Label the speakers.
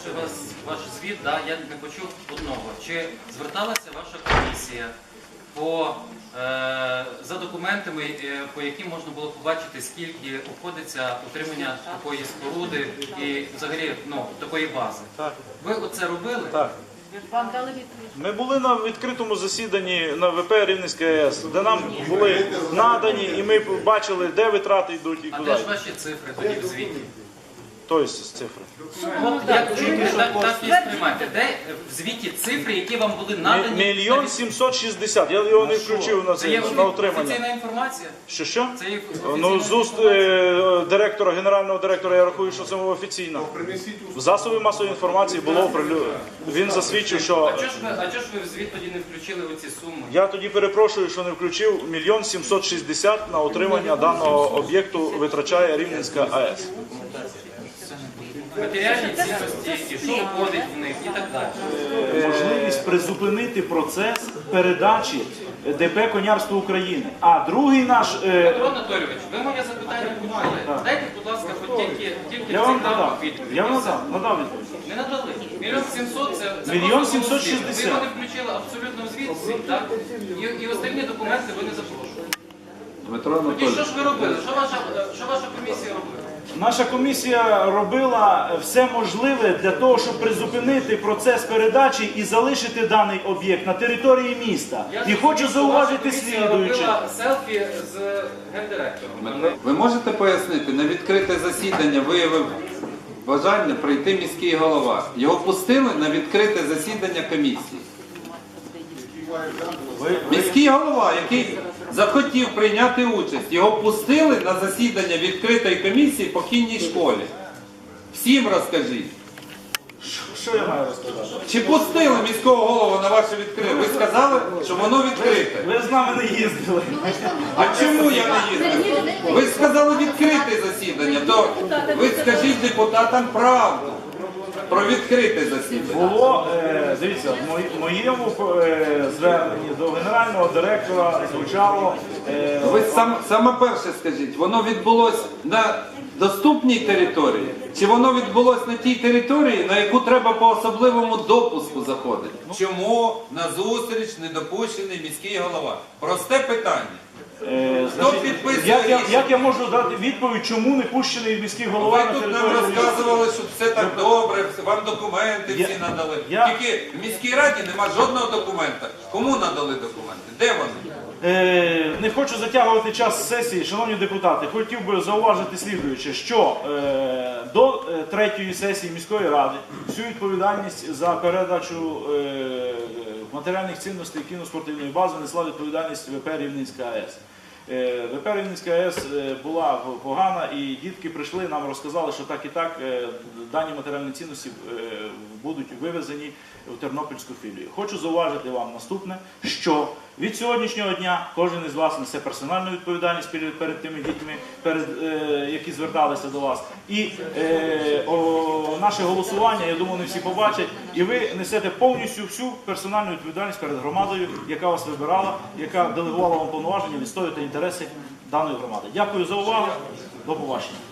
Speaker 1: послухавши ваш звіт, я не почув одного. Чи зверталася ваша комісія за документами, по яким можна було побачити, скільки обходиться утримання такої споруди і взагалі такої бази?
Speaker 2: Так.
Speaker 1: Ви оце робили?
Speaker 2: Так.
Speaker 3: Вам дали відповідь?
Speaker 2: Ми були на відкритому засіданні на ВП Рівненська АЕС, де нам були надані, і ми бачили, де витрати йдуть і
Speaker 1: А
Speaker 2: куди.
Speaker 1: де ж ваші цифри тоді в звіті?
Speaker 2: Тобто цифри.
Speaker 1: От як чуєте, так і сприймайте. Де в звіті цифри, які вам були надані?
Speaker 2: 1 760 000. Я його не включив на
Speaker 1: Це є
Speaker 2: це, на отримання.
Speaker 1: офіційна інформація?
Speaker 2: Що?
Speaker 1: Це є
Speaker 2: Ну,
Speaker 1: офіційна
Speaker 2: з уст директора, генерального директора, я рахую, що це офіційно. В засобі масової інформації було оприлюднено. Він засвідчив, що...
Speaker 1: А чого ж ви в звіт тоді не включили оці суми?
Speaker 2: Я тоді перепрошую, що не включив. 1 760 000 на отримання даного об'єкту витрачає Рівненська АЕС.
Speaker 1: Матеріальні цінності, і що входить в них, і так далі.
Speaker 4: Можливість призупинити процес передачі ДП «Конярство України». А другий наш...
Speaker 1: Петро Анатолійович, ви моє запитання почули. Дайте, будь ласка, хоч тільки
Speaker 4: Я вам
Speaker 1: цікаву
Speaker 4: надав.
Speaker 1: відповідь.
Speaker 4: Я вам надав відповідь.
Speaker 1: Не надали. 1 700 000 це
Speaker 4: 1
Speaker 1: просто
Speaker 4: 760
Speaker 1: звіт. Ви його не включили абсолютно в звіт, так? І остальні документи ви не запрошували.
Speaker 5: Дмитро
Speaker 1: Тоді
Speaker 5: Анатолійович,
Speaker 1: що ж ви робили? Що ваша комісія робила?
Speaker 4: Наша комісія робила все можливе для того, щоб призупинити процес передачі і залишити даний об'єкт на території міста. І хочу зауважити слідуюче.
Speaker 1: Робила селфі з гендиректором.
Speaker 5: ви можете пояснити, на відкрите засідання виявив бажання прийти міський голова. Його пустили на відкрите засідання комісії. Міський голова, який захотів прийняти участь, його пустили на засідання відкритої комісії по кінній школі. Всім розкажіть.
Speaker 4: Що я маю розказати?
Speaker 5: Чи пустили міського голову на ваше відкрите? Ви сказали, що воно відкрите.
Speaker 4: Ви з нами не їздили.
Speaker 5: А чому я не їздив? Ви сказали відкрите засідання, то ви скажіть депутатам правду про відкрите засідання.
Speaker 4: Було, дивіться, в моєму зверненні до генерального директора звучало...
Speaker 5: Ви саме перше скажіть, воно відбулось на доступній території, чи воно відбулось на тій території, на яку треба по особливому допуску заходити? Чому на зустріч не допущений міський голова? Просте питання. Хто підписує рішення?
Speaker 4: Як я можу дати відповідь, чому не пущений міський голова
Speaker 5: Ви
Speaker 4: на
Speaker 5: тут нам
Speaker 4: територію міста?
Speaker 5: розказували, що все так добре, вам документи всі надали. Тільки в міській раді нема жодного документа. Кому надали документи? Де вони?
Speaker 4: Не хочу затягувати час сесії, шановні депутати. Хотів би зауважити слідуюче, що до третьої сесії міської ради всю відповідальність за передачу матеріальних цінностей кіноспортивної бази несла відповідальність ВП Рівненська АЕС. ВП Рівненська АЕС була погана, і дітки прийшли, нам розказали, що так і так дані матеріальні цінності будуть вивезені в Тернопільську філію. Хочу зауважити вам наступне, що від сьогоднішнього дня кожен із вас несе персональну відповідальність перед тими дітьми, які зверталися до вас. І наше голосування, я думаю, не всі побачать, і ви несете повністю всю персональну відповідальність перед громадою, яка вас вибирала, яка делегувала вам повноваження відстоювати інтереси даної громади. Дякую за увагу. До побачення.